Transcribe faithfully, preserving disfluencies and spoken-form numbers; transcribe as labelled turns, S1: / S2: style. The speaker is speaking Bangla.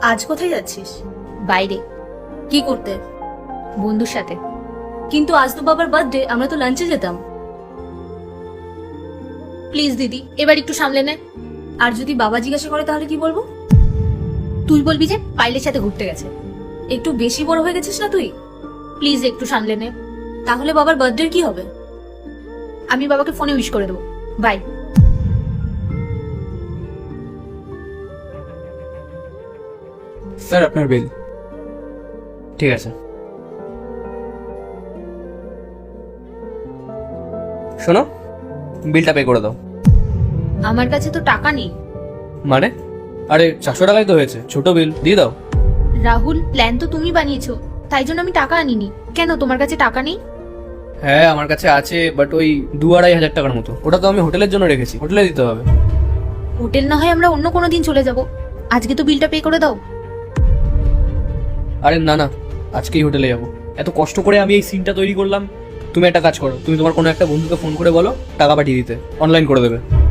S1: আজ কোথায় যাচ্ছিস?
S2: বাইরে
S1: কি করতে?
S2: বন্ধুর সাথে।
S1: কিন্তু আজ তো বাবার বার্থডে, আমরা তো লাঞ্চে যেতাম।
S2: প্লিজ দিদি, এবার একটু সামলে নে।
S1: আর যদি বাবা জিজ্ঞাসা করে তাহলে কি বলবো?
S2: তুই বলবি যে পাইলের সাথে ঘুরতে গেছে।
S1: একটু বেশি বড় হয়ে গেছিস না তুই?
S2: প্লিজ একটু সামলে নে।
S1: তাহলে বাবার বার্থডে কি হবে?
S2: আমি বাবাকে ফোনে উইশ করে দেবো। বাই।
S3: স্যার আপনার বিল। ঠিক আছে, শোনো, বিলটা পে করে দাও।
S2: আমার কাছে তো টাকা নেই।
S3: মানে? আরে চারশো টাকাই তো হয়েছে, ছোট বিল, দিয়ে দাও।
S2: রাহুল, প্ল্যান তো তুমি বানিয়েছো, তাই জন্য আমি টাকা আনিনি। কেন, তোমার কাছে টাকা নেই?
S3: হ্যাঁ আমার কাছে আছে, বাট ওই দু আড়াই হাজার টাকার মতো। ওটা তো আমি হোটেলের জন্য রেখেছি, হোটেলে দিতে হবে।
S2: হোটেল না হয় আমরা অন্য কোনো দিন চলে যাব, আজকে তো বিলটা পে করে দাও।
S3: আরে না না, আজকেই হোটেলে যাবো। এত কষ্ট করে আমি এই সিনটা তৈরি করলাম। তুমি একটা কাজ করো, তুমি তোমার কোনো একটা বন্ধুকে ফোন করে বলো টাকা পাঠিয়ে দিতে, অনলাইন করে দেবে।